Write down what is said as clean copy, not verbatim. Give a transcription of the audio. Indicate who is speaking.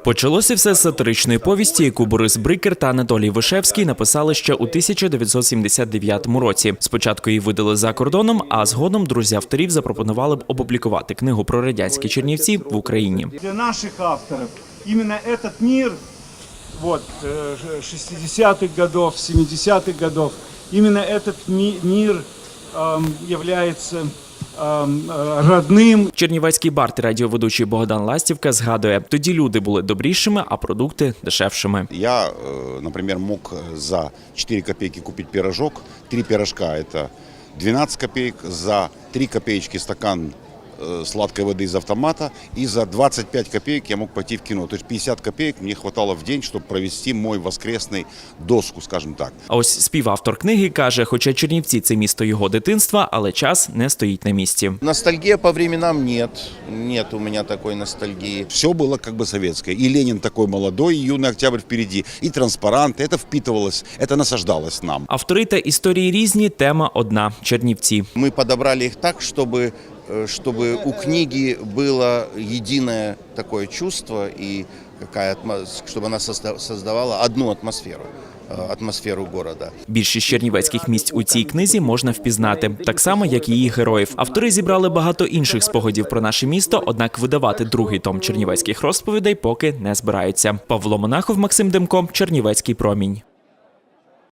Speaker 1: Почалося все з сатиричної повісті, яку Борис Брикер та Анатолій Вишевський написали ще у 1979 році. Спочатку її видали за кордоном, а згодом друзі авторів запропонували б опублікувати книгу про радянські Чернівці в Україні.
Speaker 2: Для наших авторів іменно цей мир 60-х годов, 70-х годов, именно этот мир является родним.
Speaker 1: Чернівецький бард радіоведучий Богдан Ластівка згадує, тоді люди були добрішими, а продукти дешевшими.
Speaker 3: Я, наприклад, мог за 4 копейки купити пирожок, 3 пирожка – це 12 копеек, за 3 копеечки стакан сладкой воды из автомата, и за 25 копеек я мог пойти в кино. То есть 50 копеек мне хватало в день, чтобы провести мой воскресный доску, скажем так.
Speaker 1: А ось співавтор книги каже, хоча Чернівці – це місто його дитинства, але час не стоїть на місці.
Speaker 4: Ностальгия по временам нет. Нет у меня такой ностальгии.
Speaker 3: Все было как бы советское. И Ленин такой молодой, и юный октябрь впереди, и транспаранты. Это впитывалось, это насаждалось нам.
Speaker 1: Автори та історії різні, тема одна – Чернівці.
Speaker 4: Мы подобрали их так, чтобы у книги было единое такое чувство, и чтобы она создавала одну атмосферу города.
Speaker 1: Більшість чернівецьких місць у цій книзі можна впізнати, так само, як і її героїв. Автори зібрали багато інших спогадів про наше місто, однак видавати другий том чернівецьких розповідей поки не збираються. Павло Монахов, Максим Демко, Чернівецький промінь.